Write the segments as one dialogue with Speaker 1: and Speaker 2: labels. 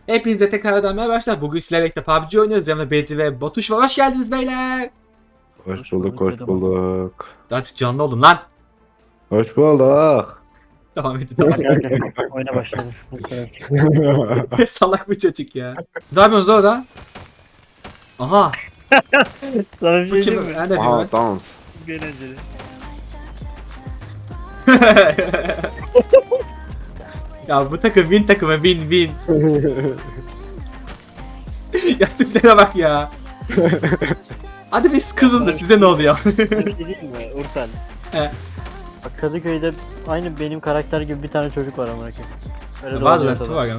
Speaker 1: Hepinize tekrardan merhaba arkadaşlar. Bugün sizlerle birlikte PUBG oynuyoruz. Yanımda Bezi ve Batuş var. Hoş geldiniz beyler.
Speaker 2: Hoş bulduk, hoş bulduk.
Speaker 1: Artık canlı olun lan.
Speaker 2: Hoş bulduk.
Speaker 1: Tamam hadi tamam.
Speaker 3: Hadi oyuna başladık. Bu kadar.
Speaker 1: Salak bir çocuk ya. Ne yapıyorsunuz orada? Aha.
Speaker 3: Sana bir
Speaker 1: Bu
Speaker 3: şey
Speaker 1: kim?
Speaker 3: diyeyim mi?
Speaker 1: Ben de
Speaker 2: Aha
Speaker 1: bilmiyorum.
Speaker 2: dans.
Speaker 3: Eğlenceli.
Speaker 1: Ya bu takım win takımı win. Ya tiplere bak ya. Hadi biz kızız da size ne oluyor?
Speaker 3: Sana bir şey diyeyim mi Urfen?
Speaker 1: He.
Speaker 3: Bak Kadıköy'de aynı benim karakter gibi bir tane çocuk var amına koyayım. Öyle de
Speaker 1: Bazen
Speaker 3: oluyor
Speaker 1: tu
Speaker 3: tabii.
Speaker 1: var ama.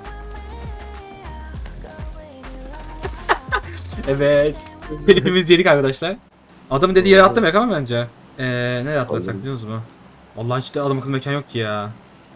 Speaker 1: Evet. Telifimiz yedik arkadaşlar. Adamın dediği yere atlamak ama bence. Nereye atlasak biliyor musunuz mu? Vallahi hiç de adam akıllı mekan yok ki ya.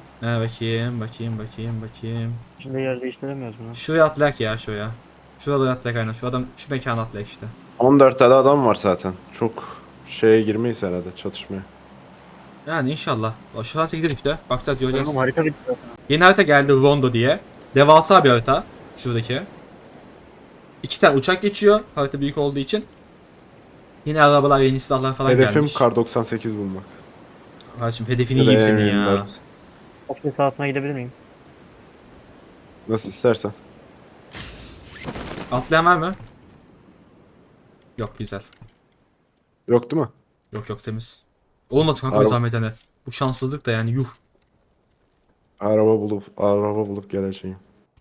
Speaker 1: Bakayım.
Speaker 3: Şimdi yer değiştiremiyoruz bunu.
Speaker 1: Şuraya atlayak ya şuraya. Şurada atlayak aynen. Şu adam şu mekana atlayak işte.
Speaker 2: 14 tane adam var zaten. Çok şeye girmeyiz herhalde çatışmaya.
Speaker 1: Yani inşallah. Şu an 8'e düştü. Bakacağız göreceğiz.
Speaker 3: Oğlum harika bitti.
Speaker 1: Yeni harita geldi Rondo diye. Devasa bir harita. Şuradaki. 2 tane uçak geçiyor. Harita büyük olduğu için. Yeni arabalar, yeni silahlar falan
Speaker 2: Hedefim
Speaker 1: gelmiş.
Speaker 2: kar 98 bulmak.
Speaker 1: Kardeşim hedefini
Speaker 2: Ya da
Speaker 1: yiyeyim senin ya.
Speaker 2: M24.
Speaker 3: Ofis sahasına gidebilir miyim?
Speaker 2: Nasıl istersen.
Speaker 1: Atlayan var mı? Yok güzel.
Speaker 2: Yok değil mi?
Speaker 1: Yok temiz. Olmadı kanka
Speaker 2: Araba-
Speaker 1: zahmet hani. Bu şanssızlık da yani yuh.
Speaker 2: Araba bulup geleceğim.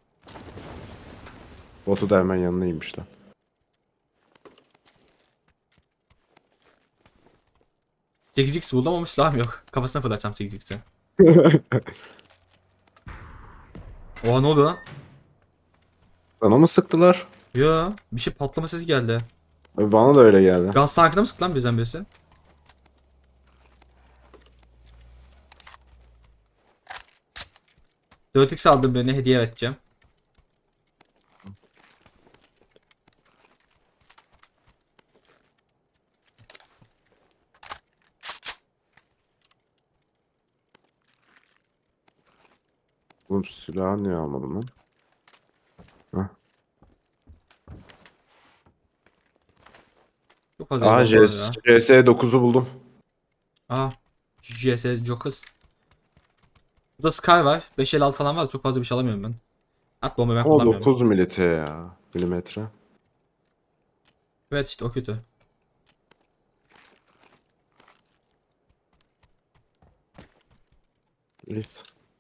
Speaker 2: Botu da hemen yanına inmişler.
Speaker 1: X buldum ama silahım yok. Kafasına fırlatacağım 8x'i. Oha ne oldu lan?
Speaker 2: Bana mı sıktılar?
Speaker 1: Yo bir şey patlama sesi geldi.
Speaker 2: Bana da öyle geldi.
Speaker 1: Gaz tankına mı sıktı lan birden birisi? Dört x aldım birine hediye edeceğim.
Speaker 2: Oğlum silahı niye almadım lan?
Speaker 1: Çok fazla
Speaker 2: Aha
Speaker 1: hediye oldu ya.
Speaker 2: CS9'u buldum.
Speaker 1: Aa. GS Jokers. Burada Sky var. 556 falan var. Çok fazla bir şey alamıyorum ben. At bomba ben
Speaker 2: O
Speaker 1: kullanmıyorum.
Speaker 2: 9 milite ya. Milimetre.
Speaker 1: Evet işte o kötü.
Speaker 2: Neyse.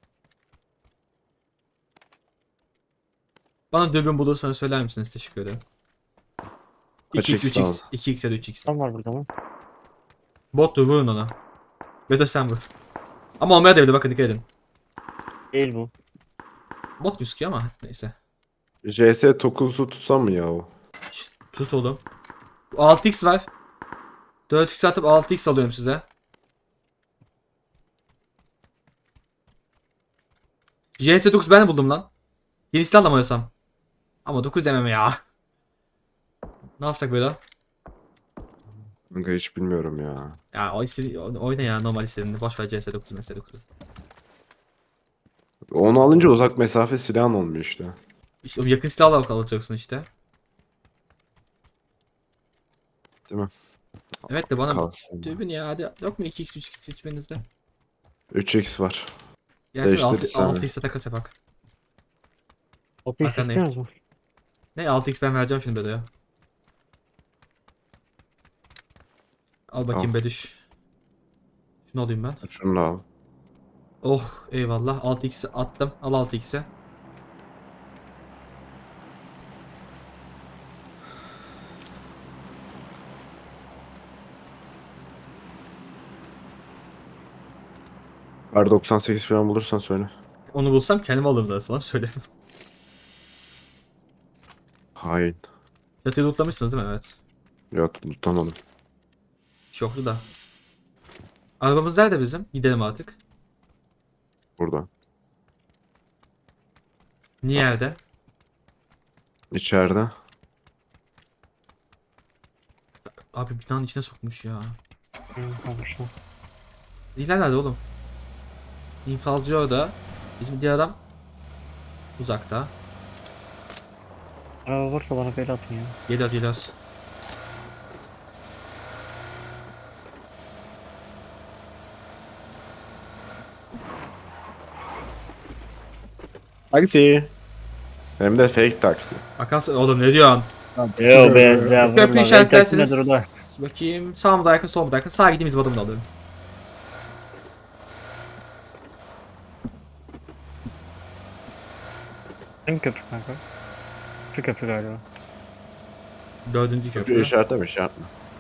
Speaker 1: Bana dürbün bulursanız söyler misiniz? Teşekkür ederim.
Speaker 2: Kaç
Speaker 1: 2x,
Speaker 2: X
Speaker 1: 3x,
Speaker 2: lazım?
Speaker 1: 2x ya da 3x.
Speaker 3: Tam var burada mı?
Speaker 1: Bottur vurun ona. Ya da sen vur. Ama olmaya da bilir bakın dikkat edin.
Speaker 3: Değil bu.
Speaker 1: Bot gözüküyor ama neyse.
Speaker 2: CS9'u tutsam mı ya o?
Speaker 1: Şşt, tut oğlum. 6x var. 4x atıp 6x alıyorum size. JS9 ben de buldum lan. Yeni silah mı oynasam? Ama 9 demem ya. Ne yapsak böyle?
Speaker 2: Kanka hiç bilmiyorum ya.
Speaker 1: Ya o istedi oyna ya normal istediğinde. Boş ver CS9 MS9'u.
Speaker 2: Onu alınca uzak mesafe silahın olmuyor işte.
Speaker 1: İşte o yakın silahla alacaksın işte.
Speaker 2: Değil mi?
Speaker 1: Evet de bana
Speaker 2: Kalsın.
Speaker 1: dürbün ya hadi yok mu 2x 3x seçmenizde?
Speaker 2: 3x var.
Speaker 1: Gelsin
Speaker 2: Değiştirdik
Speaker 1: 6x'e takas yapak.
Speaker 3: Ofis
Speaker 1: Arkandayım.
Speaker 3: istiyorsunuz mu?
Speaker 1: Ne 6x ben vereceğim şimdi bedaya. Al bakayım
Speaker 2: Al.
Speaker 1: Bedüş. Şunu alayım ben.
Speaker 2: Şunu da al.
Speaker 1: Oh eyvallah 6x'i attım. Al 6x'i.
Speaker 2: Kar 98 falan bulursan söyle.
Speaker 1: Onu bulsam kendim alırım zaten sana söyledim.
Speaker 2: Hain.
Speaker 1: Çatıyı lootlamışsınız değil mi? Evet.
Speaker 2: Ya tutamadım.
Speaker 1: Şoklu da. Arabamız nerede bizim? Gidelim artık.
Speaker 2: Burada.
Speaker 1: Niye evde?
Speaker 2: İçeride.
Speaker 1: Abi binanın içine sokmuş ya.
Speaker 3: Konuşma.
Speaker 1: Zihler nerede oğlum? İnfalcı orada. Bizim diğer adam uzakta.
Speaker 3: Araba varsa bana böyle atın ya.
Speaker 1: Geliyoruz geliyoruz.
Speaker 2: Taksi. Hem de fake taksi.
Speaker 1: Akansın oğlum ne diyorsun?
Speaker 3: Yo be ya.
Speaker 1: Köprü işaretlerseniz.
Speaker 3: Nedir o da?
Speaker 1: Bakayım sağ mı daha yakın sol mu daha yakın. Sağa gideyim izbadımı da alırım.
Speaker 3: Hangi köprü kanka? Şu köprü galiba.
Speaker 1: Dördüncü
Speaker 2: Köprü
Speaker 1: köprü.
Speaker 2: işaretlemiş yapma.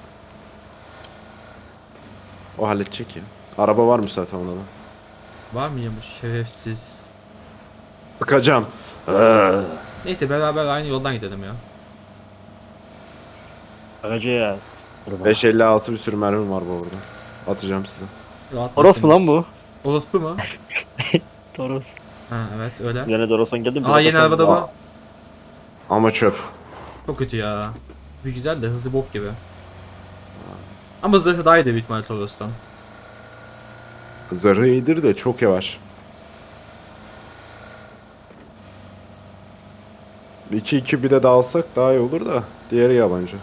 Speaker 2: O halledecek ya. Araba var mı zaten ona da?
Speaker 1: Var mıymış şerefsiz.
Speaker 2: Bakacağım.
Speaker 1: Neyse beraber aynı yoldan gidelim ya.
Speaker 3: Aracı ya.
Speaker 2: 556 bir sürü mermim var bu arada. Atacağım size.
Speaker 1: Rahat
Speaker 3: Toros mu lan bu?
Speaker 1: Orospu mu?
Speaker 3: Toros.
Speaker 1: Ha evet öyle.
Speaker 3: Yine Toros'un geldi mi?
Speaker 1: Aa yeni arabada bu.
Speaker 2: Ama çöp.
Speaker 1: Çok kötü ya. Bir güzel de hızı bok gibi. Ama zırhı daha iyi de büyük ihtimalle Toros'tan.
Speaker 2: Zırhı iyidir de çok yavaş. 2-2 bir de dağılsak daha iyi olur da. Diğeri yabancı.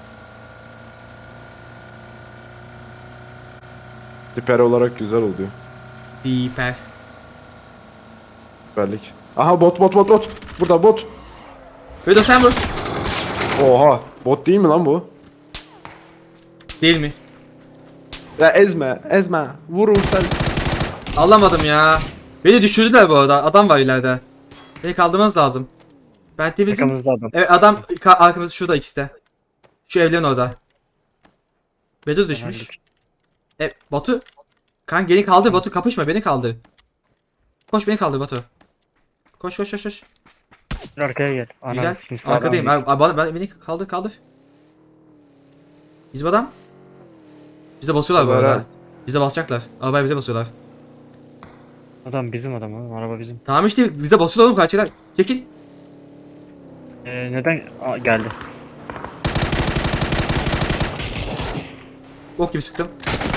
Speaker 2: Siper olarak güzel oluyor.
Speaker 1: Hiper.
Speaker 2: Süperlik. Aha bot. Burada bot.
Speaker 1: Vedo sen vur.
Speaker 2: Oha. Bot değil mi lan bu?
Speaker 1: Değil mi?
Speaker 2: Ya ezme. Vurun sen.
Speaker 1: Alamadım ya. Beni düşürdüler bu arada. Adam var ileride. Beni kaldırmanız lazım. Ben temizim.
Speaker 3: Yakamızda adam.
Speaker 1: Evet adam arkamızda şurada ikisi de. Şu evlerin orada. Bedo düşmüş. Batu. Kan beni kaldır Batu kapışma beni kaldır. Koş beni kaldır Batu. Koş.
Speaker 3: Dur arkaya gel. Ana,
Speaker 1: Güzel.
Speaker 3: şimdi sağdan
Speaker 1: Arkadayım.
Speaker 3: bir-
Speaker 1: Beni kaldır. Bizim adam. Bize basıyorlar bu
Speaker 2: Haber
Speaker 1: arada.
Speaker 2: ha.
Speaker 1: Bize basacaklar. Arabaya bize basıyorlar.
Speaker 3: Adam bizim adam oğlum. Araba bizim.
Speaker 1: Tamam işte bize basıyorlar oğlum kaçıyorlar. Çekil.
Speaker 3: Neden? Aa, geldi.
Speaker 1: Bok gibi sıktım.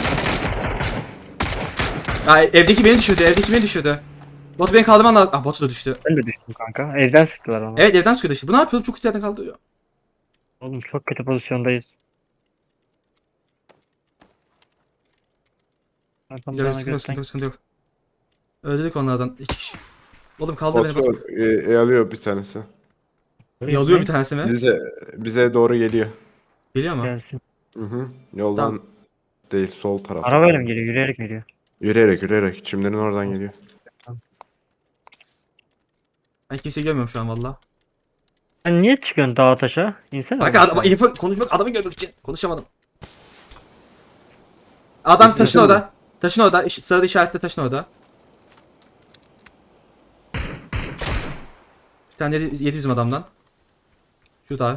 Speaker 1: Ya evdeki beni düşürdü. Batu beni kaldırman lazım. Ah Batu da düştü.
Speaker 3: Ben de düştüm kanka. Evden sıktılar bana.
Speaker 1: Evet evden sıkıyordu işte. Bu ne yapıyor? Çok kötü yerden kaldırıyor.
Speaker 3: Oğlum çok kötü pozisyondayız. Adam
Speaker 1: Güzel
Speaker 3: bana
Speaker 1: sıkıntı yok,
Speaker 3: göster.
Speaker 1: sıkıntı yok. Öldürdük onlardan. 2 kişi. Oğlum kaldır beni Batu.
Speaker 2: Bot alıyor bir tanesi.
Speaker 1: Yalıyor bir tanesi mi?
Speaker 2: Bize doğru geliyor.
Speaker 1: Geliyor mu?
Speaker 3: Gelsin.
Speaker 2: Hı. Yoldan
Speaker 1: Tamam.
Speaker 2: değil sol tarafta.
Speaker 3: Arabayla mı geliyor? Yürüyerek mi geliyor?
Speaker 2: Yürüyerek. Çimlerin oradan geliyor.
Speaker 1: Ben kimseyi görmüyorum şu an valla.
Speaker 3: Sen niye çıkıyorsun dağa taşa? İnsene.
Speaker 1: Kanka adama info konuşmak adamı görmek için. Konuşamadım. Adam taşın
Speaker 2: mi?
Speaker 1: orada. Taşın orada. Sırada işaretle taşın orada. Bir tane yedi bizim adamdan. Şurada.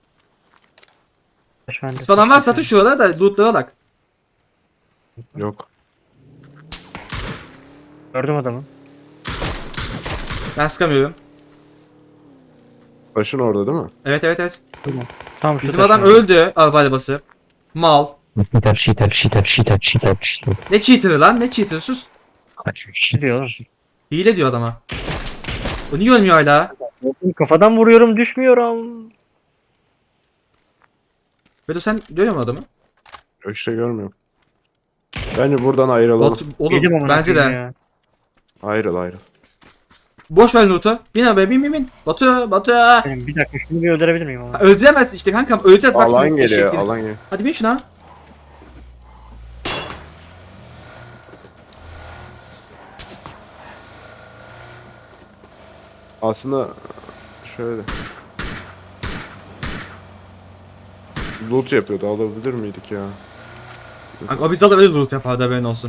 Speaker 1: Sis falan varsa atın şuralara da lootlara bak.
Speaker 2: Yok.
Speaker 3: Gördüm adamı.
Speaker 1: Ben sıkamıyorum.
Speaker 2: Başın orada değil mi?
Speaker 1: Evet.
Speaker 3: Tamam şu
Speaker 1: Bizim
Speaker 3: taşın
Speaker 1: adam
Speaker 3: orada.
Speaker 1: öldü arabayla basıp. Mal.
Speaker 4: Cheater.
Speaker 1: Ne cheater'ı lan? Ne cheater'ı? Sus.
Speaker 3: Ne diyor oğlum?
Speaker 1: Hile diyor adama. O niye ölmüyor hala?
Speaker 3: Oğlum kafadan vuruyorum düşmüyorum.
Speaker 1: Bedo sen görüyor musun adamı?
Speaker 2: Yok işte görmüyorum. Bence buradan ayrılalım.
Speaker 1: Oğlum
Speaker 3: Yedim amına
Speaker 1: bence
Speaker 3: koyayım
Speaker 1: de.
Speaker 3: ya.
Speaker 2: Ayrıl.
Speaker 1: Boş ver loot'u. Bin arabaya bin. Batu.
Speaker 3: Benim bir dakika şunu bir öldürebilir miyim ama?
Speaker 1: Öldüremezsin işte kankam. Öleceğiz bak.
Speaker 2: Alan
Speaker 1: senin
Speaker 2: geliyor.
Speaker 1: eşekliğini.
Speaker 2: Alan geliyor.
Speaker 1: Hadi bin şuna.
Speaker 2: Aslında şöyle. Loot yapıyordu. Alabilir miydik ya?
Speaker 1: Kanka o bizde de böyle loot yapardı haberin olsun.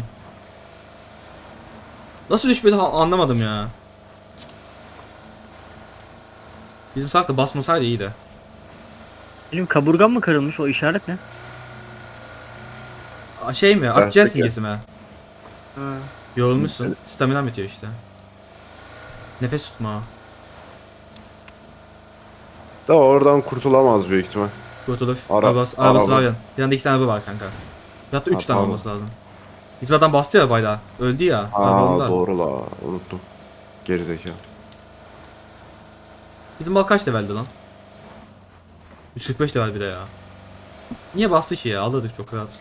Speaker 1: Nasıl düşmedi anlamadım ya. Bizim salak da basmasaydı iyiydi.
Speaker 3: Benim kaburgam mı kırılmış o işaret ne?
Speaker 1: Şey mi? Akciğer
Speaker 2: Gerçek
Speaker 1: simgesi mi?
Speaker 3: Ha.
Speaker 1: Yorulmuşsun. Stamina bitiyor işte. Nefes tutma.
Speaker 2: Da oradan kurtulamaz büyük ihtimal.
Speaker 1: Kurtulur.
Speaker 2: Ara-
Speaker 1: Arabası
Speaker 2: araba.
Speaker 1: var ya. Yanında 2 tane araba var kanka. Hatta 3
Speaker 2: Ha,
Speaker 1: tane
Speaker 2: pardon.
Speaker 1: olması lazım. Bizim adam bastı ya arabayla. Öldü ya. Araba
Speaker 2: Aa
Speaker 1: onda.
Speaker 2: doğru la. Unuttum. Gerizekalı.
Speaker 1: Bizim bal kaç leveldi lan? 145 de var bir de ya. Niye bastı ki ya? Alırdık çok rahat.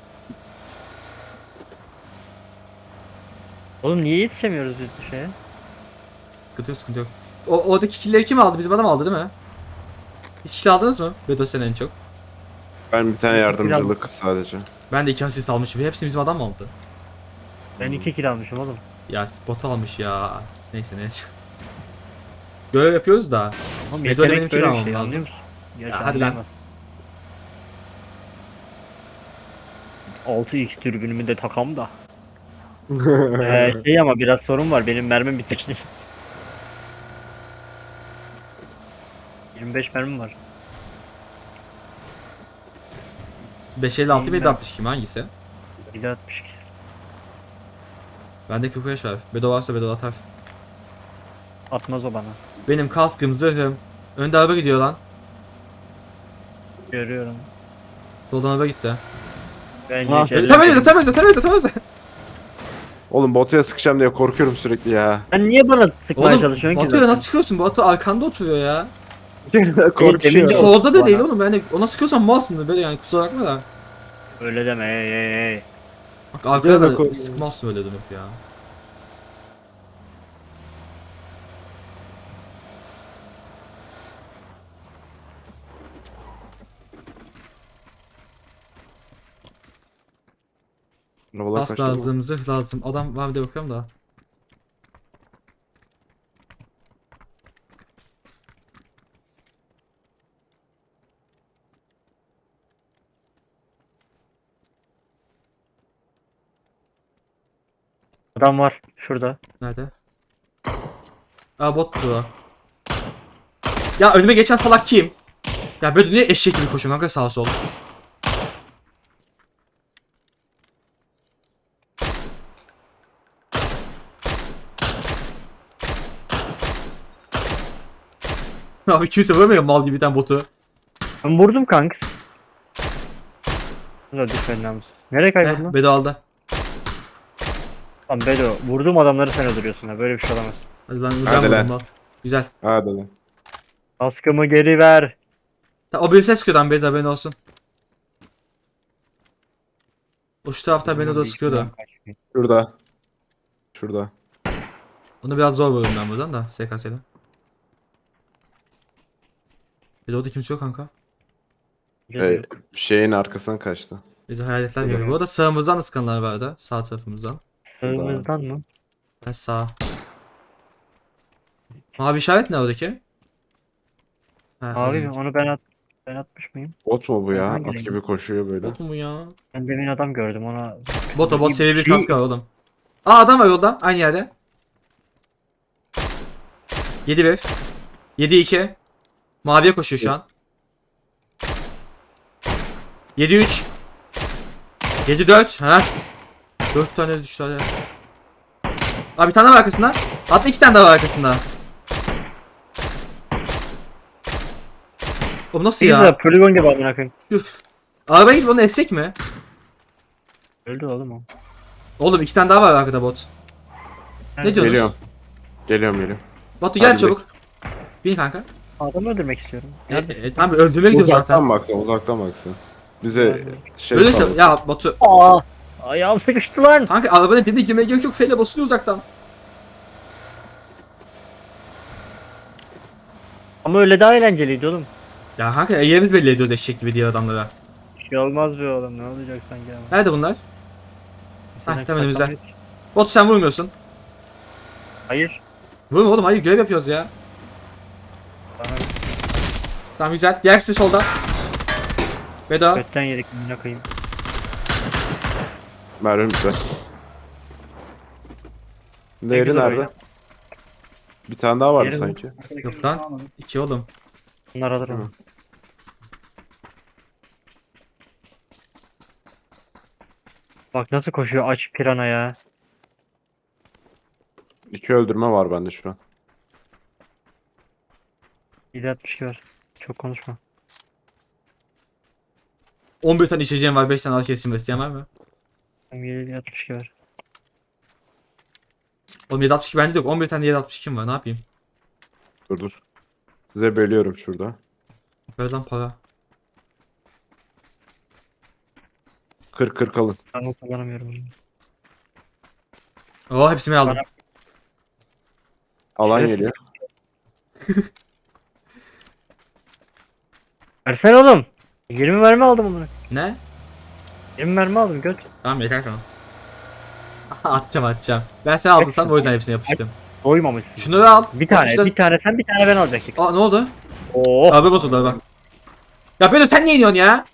Speaker 3: Oğlum niye yetişemiyoruz biz bu şeye?
Speaker 1: Sıkıntı yok, sıkıntı yok. Oradaki killleri kim aldı? Bizim adam aldı değil mi? Hiç kill aldınız mı? Bedo sen en çok.
Speaker 2: Ben bir tane
Speaker 3: Biraz-
Speaker 2: yardımcılık sadece.
Speaker 1: Ben de 2 asist almışım. Hepsini bizim adam mı aldı?
Speaker 3: Ben 2 kill almışım oğlum.
Speaker 1: Ya bot almış ya. Neyse neyse. Görev yapıyoruz da.
Speaker 3: Oğlum
Speaker 1: Bedo ile
Speaker 3: yetenek
Speaker 1: benim kill
Speaker 3: böyle bir
Speaker 1: almam
Speaker 3: şey,
Speaker 1: lazım.
Speaker 3: anlıyor musun?
Speaker 1: Ya hadi lan.
Speaker 3: 6x türbünümü de takam da. Şey ama biraz sorun var. Benim mermim bitti. 25 mermim var.
Speaker 1: 556
Speaker 3: Ben-
Speaker 1: 762 mi hangisi?
Speaker 3: 762.
Speaker 1: Bende 45 var. Bedo varsa Bedo atar.
Speaker 3: Atmaz o bana.
Speaker 1: Benim kaskım, zırhım. Önde araba gidiyor lan.
Speaker 3: Görüyorum.
Speaker 1: Soldan araba gitti.
Speaker 3: Bence
Speaker 2: Ah,
Speaker 3: şeyler-
Speaker 1: Tam önünde, tam önünde, tam önünde, tam önünde.
Speaker 2: Oğlum Batu'ya sıkacağım diye korkuyorum sürekli ya.
Speaker 3: Sen niye bana sıkmaya
Speaker 1: Oğlum
Speaker 3: çalışıyorsun ki?
Speaker 1: Batu'ya
Speaker 3: zaten?
Speaker 1: nasıl çıkıyorsun? Batu arkanda oturuyor ya.
Speaker 2: Korkuyor.
Speaker 3: Yok,
Speaker 1: Solda da
Speaker 3: bana.
Speaker 1: değil oğlum. Yani ona sıkıyorsan malsın böyle yani kusura bakma da.
Speaker 3: Öyle deme hey.
Speaker 1: Bak arkada
Speaker 2: da
Speaker 1: da
Speaker 2: korkuyor.
Speaker 1: sıkmazsın öyle dönüp ya.
Speaker 2: Arabalar
Speaker 1: Bas
Speaker 2: kaçtı mı?
Speaker 1: lazım, zırh lazım. Adam var bir de bakıyorum da.
Speaker 3: Adam var şurada.
Speaker 1: Nerede? Aa bot tutuyor. Ya önüme geçen salak kim? Ya böyle niye eşek gibi koşuyor kanka sağa sol. Abi kimse vuramıyor mal gibi bir tane botu.
Speaker 3: Ben vurdum kanka. Dur düşmedi namus. Nereye kayboldun lan?
Speaker 1: Bedo aldı.
Speaker 3: Lan Bedo vurduğum adamları sen öldürüyorsun ha, böyle bir şey olamaz.
Speaker 1: Hadi lan
Speaker 2: Hadi
Speaker 1: uzan
Speaker 2: lan.
Speaker 1: vurdum lan. Güzel.
Speaker 2: Hadi lan.
Speaker 3: Kaskımı geri ver.
Speaker 1: O bir ses sıkıyordu lan Bedo haberin olsun. O şu tarafta Bedo da sıkıyordu.
Speaker 2: Şurada. Şurada.
Speaker 1: Onu biraz zor vururum ben buradan da SKS'yle. Bedo'da kimse yok kanka.
Speaker 2: Şeyin arkasına kaçtı.
Speaker 1: Bizi hayaletler
Speaker 3: Yok,
Speaker 1: görüyor.
Speaker 3: yok.
Speaker 1: Bu arada sağımızdan da sıkanlar vardı. Sağ tarafımızdan.
Speaker 3: Sığımızdan mı?
Speaker 1: Ben sağ. Mavi işaret ne oradaki? Ha,
Speaker 3: Abi
Speaker 1: az önce.
Speaker 3: onu ben atmış mıyım?
Speaker 2: Bot mu bu ya?
Speaker 3: Hangi
Speaker 2: At
Speaker 3: renk?
Speaker 2: gibi koşuyor böyle.
Speaker 1: Bot mu bu ya?
Speaker 3: Ben demin adam gördüm ona.
Speaker 1: Bot seviye bir
Speaker 3: Şey-
Speaker 1: kask var oğlum. Aa adam var yolda aynı yerde. 7-1. 7-2. Maviye koşuyor şu an. 7-3. 7-4. Ha? 4 tane düştü hadi. Abi bir tane var arkasında. Hatta 2 tane daha var arkasında. Oğlum nasıl
Speaker 3: Pizza
Speaker 1: ya?
Speaker 3: poligon gibi amına koyayım.
Speaker 1: Üf. Arabaya gidip onu essek mi?
Speaker 3: Öldü oğlum o.
Speaker 1: Oğlum 2 tane daha var arkada bot. Ne diyorsunuz?
Speaker 2: Geliyorum. Geliyorum.
Speaker 1: Batu gel
Speaker 2: Hadi
Speaker 1: çabuk. Bin kanka.
Speaker 3: Adamı öldürmek istiyorum.
Speaker 1: Tamam öldürmeye gidiyoruz
Speaker 2: Uzaktan
Speaker 1: zaten.
Speaker 2: baksın, uzaktan baksın. Bize şey
Speaker 1: Öyleyse
Speaker 2: sağlasın.
Speaker 1: ya Batu.
Speaker 3: Aa! Ayağım sıkıştı lan.
Speaker 1: Kanka arabanın dibine girmeye gerek yok. Feyle basılıyor uzaktan.
Speaker 3: Ama öyle daha eğlenceliydi oğlum.
Speaker 1: Ya kanka yerimiz belli ediyoruz eşek gibi diğer adamlara.
Speaker 3: Bir şey olmaz be oğlum, ne olacak sanki ama.
Speaker 1: Nerede bunlar?
Speaker 3: Sen
Speaker 1: tamam, önümüzde.
Speaker 3: saklanmayı-
Speaker 1: Batu sen vurmuyorsun.
Speaker 3: Hayır.
Speaker 1: Vurma oğlum hayır görev yapıyoruz ya.
Speaker 3: Bana
Speaker 1: Tamam güzel. Diğer kişi solda. Veda.
Speaker 3: götten yedik amına koyayım.
Speaker 2: Merhum bize. Değeri
Speaker 3: güzel
Speaker 2: nerede?
Speaker 3: oyun.
Speaker 2: Bir tane daha vardı
Speaker 3: Diğeri
Speaker 2: sanki.
Speaker 1: Yok lan. 2 oğlum.
Speaker 3: Bunlar alır
Speaker 2: Hı.
Speaker 3: ama. Bak nasıl koşuyor aç pirana ya.
Speaker 2: 2 öldürme var bende şu an.
Speaker 3: 762 var. Çok konuşma.
Speaker 1: 11 tane içeceğim var. 5 tane al kesim isteyen var mı?
Speaker 3: 762 var.
Speaker 1: Oğlum 762 bende de yok. 11 tane 762 var. Ne yapayım?
Speaker 2: Dur. Size bölüyorum şurada.
Speaker 1: Ver lan para.
Speaker 2: 40 alın.
Speaker 3: Ben kullanamıyorum.
Speaker 1: Oo hepsini aldım.
Speaker 2: Alan
Speaker 3: Evet.
Speaker 2: geliyor.
Speaker 3: Versene oğlum. 20 mermi aldım onu.
Speaker 1: Ne?
Speaker 3: 20 mermi aldım göt.
Speaker 1: Tamam yeter sana. atacağım. Ben sen aldın sen o yüzden hepsini yapıştım.
Speaker 3: Doymamışsın.
Speaker 1: Şunları al.
Speaker 3: Bir tane,
Speaker 1: İşte-
Speaker 3: bir tane sen, bir tane ben alacaktık.
Speaker 1: Aa ne oldu?
Speaker 3: Oo.
Speaker 1: Abi bozuldu araba. Ya Bedo sen niye iniyorsun ya?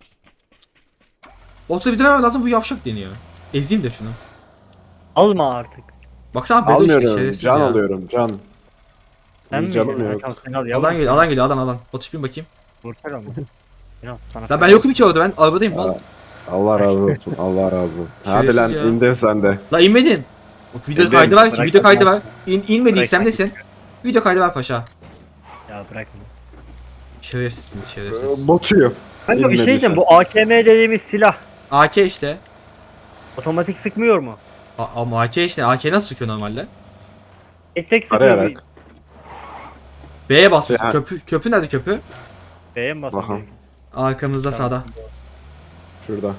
Speaker 1: Olsa bize vermem lazım bu yavşak deniyor. Ezeyim de şunu.
Speaker 3: Alma artık.
Speaker 1: Baksana Bedo işte
Speaker 2: Almıyorum.
Speaker 1: şerefsiz
Speaker 2: Can
Speaker 1: ya.
Speaker 2: alıyorum. Can.
Speaker 3: Sen mi?
Speaker 2: Canım
Speaker 3: yedin?
Speaker 2: yok.
Speaker 3: Tamam sen al.
Speaker 1: Alan geliyor alan. Batış bin bakayım.
Speaker 3: Vursana onu. Sinan, sana
Speaker 1: Lan ben yokum ki orada ben arabadayım lan.
Speaker 2: Allah razı olsun. Allah razı olsun. Hadi lan
Speaker 1: Şerefsiz ya.
Speaker 2: indin sen de.
Speaker 1: La inmedim. O video
Speaker 2: Neden?
Speaker 1: kaydı var ki
Speaker 3: Bırak
Speaker 1: video kaydı
Speaker 3: bırak.
Speaker 1: var. İnmediysem
Speaker 3: Bırak.
Speaker 1: nesin? Video kaydı var paşa.
Speaker 3: Ya bırak onu.
Speaker 1: Şerefsizsiniz şerefsiz.
Speaker 2: Botuyum.
Speaker 3: Kanka bir şey
Speaker 2: İnmediysen.
Speaker 3: diyeceğim, bu AKM dediğimiz silah
Speaker 1: AK işte.
Speaker 3: otomatik sıkmıyor mu?
Speaker 1: Ama AK işte. AK nasıl sıkıyor normalde?
Speaker 3: Tek sıkıyor.
Speaker 2: Arayarak.
Speaker 1: B'ye basmışsın.
Speaker 2: Ya.
Speaker 1: Köprü nerede köprü?
Speaker 3: B'ye mi basıyor?
Speaker 2: Bakalım.
Speaker 1: Arkamızda sağda.
Speaker 2: Şurada.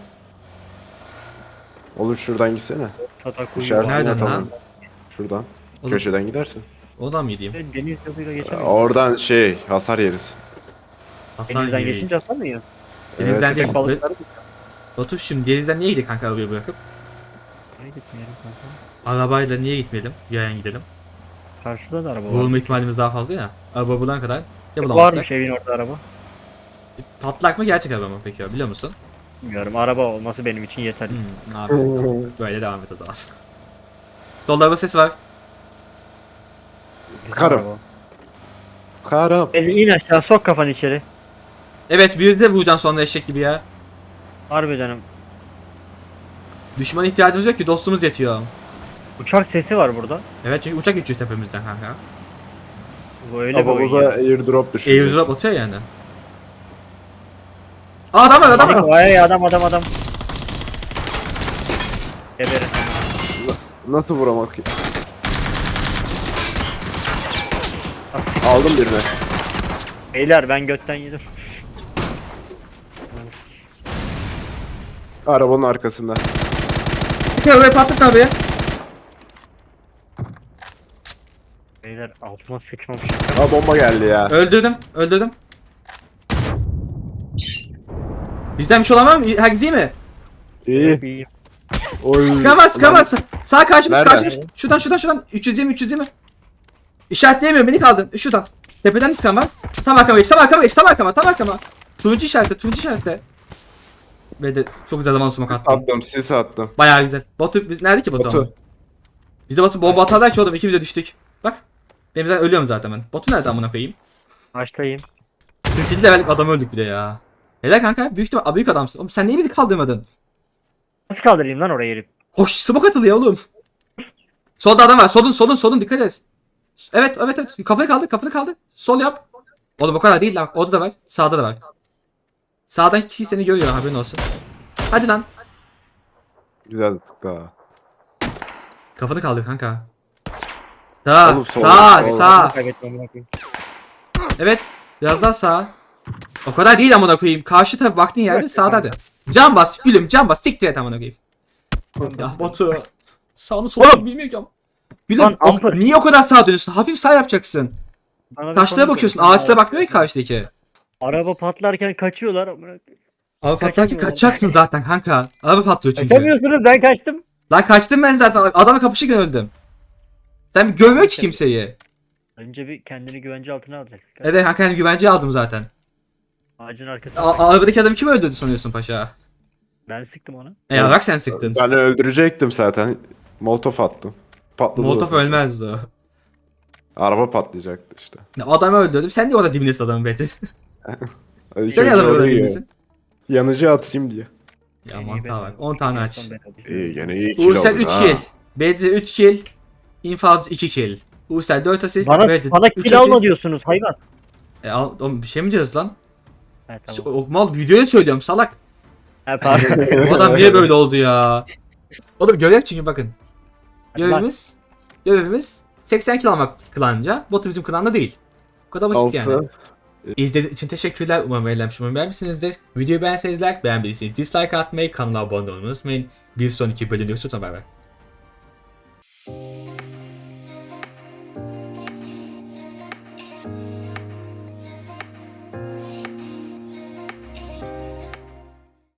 Speaker 2: Oğlum şuradan gitsene.
Speaker 3: Tatak
Speaker 2: İşaret
Speaker 1: Nereden
Speaker 2: tamam.
Speaker 1: lan?
Speaker 2: Şuradan.
Speaker 1: Oğlum,
Speaker 2: Köşeden gidersin.
Speaker 1: oradan mı gideyim?
Speaker 3: Deniz yoluyla geçemiyor.
Speaker 2: Oradan hasar yeriz.
Speaker 1: Hasan
Speaker 3: Denizden
Speaker 1: gibiyiz.
Speaker 3: geçince atamıyor.
Speaker 1: Denizden
Speaker 2: Evet.
Speaker 1: değil.
Speaker 3: Köpek balıkları da.
Speaker 1: Batu şimdi denizden niye gidelim kanka arabayı bırakıp?
Speaker 3: Nereye gitmeyelim kanka?
Speaker 1: Arabayla niye gitmeyelim? Yayan gidelim.
Speaker 3: Karşıda da araba var.
Speaker 1: Vurulma ihtimalimiz daha fazla ya. Araba bulana kadar ya bulamazsak.
Speaker 3: Varmış evin orada araba.
Speaker 1: Patlak mı gerçek araba mı peki ya biliyor musun?
Speaker 3: Bilmiyorum, araba olması benim için yeterli.
Speaker 1: Abi böyle devam et o zaman. Solda araba sesi var.
Speaker 3: Güzel
Speaker 2: Karım.
Speaker 3: araba.
Speaker 2: Karım.
Speaker 3: İn aşağı, sok kafanı içeri.
Speaker 1: Evet bir de vuracaksın sonra eşek gibi ya.
Speaker 3: Harbi canım.
Speaker 1: Düşmana ihtiyacımız yok ki dostumuz yetiyor.
Speaker 3: Uçak sesi var burada.
Speaker 1: Evet çünkü uçak geçiyor tepemizden kanka.
Speaker 3: Bu öyle bir oyun
Speaker 2: Kafamıza
Speaker 3: ya.
Speaker 2: airdrop düştü.
Speaker 1: Airdrop atıyor yani. Aa adam var adam var.
Speaker 3: Vay adam. Geberin.
Speaker 2: Nasıl vuramak ki? Aldım birini.
Speaker 3: Beyler ben götten yedim.
Speaker 2: Arabanın arkasında.
Speaker 1: Arabayı patlat abi.
Speaker 3: Beyler altıma sıçmamış.
Speaker 2: Aa bomba geldi ya.
Speaker 1: Öldürdüm. Bizden bir şey olan var mı? Herkes iyi mi?
Speaker 2: İyi.
Speaker 3: İyi.
Speaker 2: Oy.
Speaker 1: Sıkamaz. Sağ karşımız.
Speaker 2: Nerede?
Speaker 1: Şuradan. 320. İşaretleyemiyorum beni kaldın. Şuradan. Tepeden sıkan var. Tam arkama. Turuncu işaretle. Ve de çok güzel zaman sumak attım.
Speaker 2: Attım, sis attım.
Speaker 1: Bayağı güzel. Batu biz nerede ki Batu?
Speaker 2: Batu.
Speaker 1: ama? Bize basıp bomba atarlar ki oğlum ikimiz de düştük. Bak. Benim zaten ölüyorum zaten ben. Batu nerede amına koyayım?
Speaker 3: Başlayayım.
Speaker 1: 47 levellik adam öldük bir de ya. Helal kanka büyük adamsın. Oğlum sen niye bizi kaldırmadın?
Speaker 3: Nasıl kaldırayım lan oraya herif?
Speaker 1: Koş smoke atılıyor oğlum. Solda adam var. Solun dikkat et. Evet. Kapını kaldır. Sol yap. Oğlum o kadar değil lan. Orada da var. Sağda da var. Sağdaki kişi seni görüyor haberin olsun. Hadi lan.
Speaker 2: Güzel tuttu ha.
Speaker 1: Kafanı kaldır kanka. Sağ,
Speaker 2: Oğlum, sol,
Speaker 1: sağ,
Speaker 2: sol.
Speaker 1: sağ.
Speaker 3: Kaybetmem bırakayım.
Speaker 1: Evet. Biraz daha sağ. O kadar değil amına koyayım. Karşı taraf baktığın yerde sağda hadi. Can bas gülüm can bas. Siktir et amına koyayım. Ya Batu. Sağını solunu bilmiyor ki ama. Gülüm
Speaker 3: Lan, ampır.
Speaker 1: niye o kadar sağa dönüyorsun? Hafif sağ yapacaksın.
Speaker 3: Bana bir
Speaker 1: Taşlara
Speaker 3: konu
Speaker 1: bakıyorsun.
Speaker 3: söyle.
Speaker 1: Ağaçlara bakmıyor ki karşıdaki.
Speaker 3: Araba patlarken kaçıyorlar.
Speaker 1: Araba patlarken
Speaker 3: Kaçamıyorum.
Speaker 1: kaçacaksın zaten kanka. Araba patlıyor çünkü.
Speaker 3: Kaçamıyorsunuz, ben kaçtım.
Speaker 1: Lan kaçtım ben zaten. Adamla kapışırken öldüm. Sen bir görmüyor ki kimseyi.
Speaker 3: Önce bir kendini güvence altına alacaksın.
Speaker 1: Evet kanka hani güvenceye aldım zaten.
Speaker 3: Ağacın arkasında.
Speaker 1: Arabadaki adamı kim öldürdü sanıyorsun paşa?
Speaker 3: Ben sıktım onu.
Speaker 1: Bak sen sıktın.
Speaker 2: Ben öldürecektim zaten. Molotof attım. Patladı.
Speaker 1: Molotov
Speaker 2: zaten.
Speaker 1: ölmezdi o.
Speaker 2: Araba patlayacaktı işte.
Speaker 1: Adamı öldürdüm. Sen niye orada dibindesin adamın Betty?
Speaker 2: İlk
Speaker 1: Sen niye
Speaker 2: önce
Speaker 1: adamı orada
Speaker 2: orayı
Speaker 1: dibindesin?
Speaker 2: Yanıcı atayım diye.
Speaker 1: Ya mantığa bak. 10 tane aç.
Speaker 2: İyi gene iyi kill
Speaker 1: Uğursel
Speaker 2: oldun
Speaker 1: 3
Speaker 2: ha.
Speaker 1: kill. Betty 3 kill. İnfaz 2 kill. Uğursel 4 asist. Betty
Speaker 3: Bana
Speaker 1: 3
Speaker 3: kill alma
Speaker 1: asist.
Speaker 3: diyorsunuz hayvan.
Speaker 1: Oğlum bir şey mi diyoruz lan?
Speaker 3: Evet tamam.
Speaker 1: O mal videoya söylüyorum salak.
Speaker 3: Ha, pardon.
Speaker 1: Bu adam niye böyle oldu ya? Oğlum görev çünkü bakın. Görevimiz 80 kill almak klanca. Botu bizim klanda değil. Bu kadar basit yani. İzlediğiniz için teşekkürler. Umarım eğlenmiş, umarım beğenmişsinizdir. Videoyu beğenseniz like, beğenmediyseniz dislike atmayı, kanala abone olmayı unutmayın. Bir sonraki bölümde görüşürüz. Bay bay.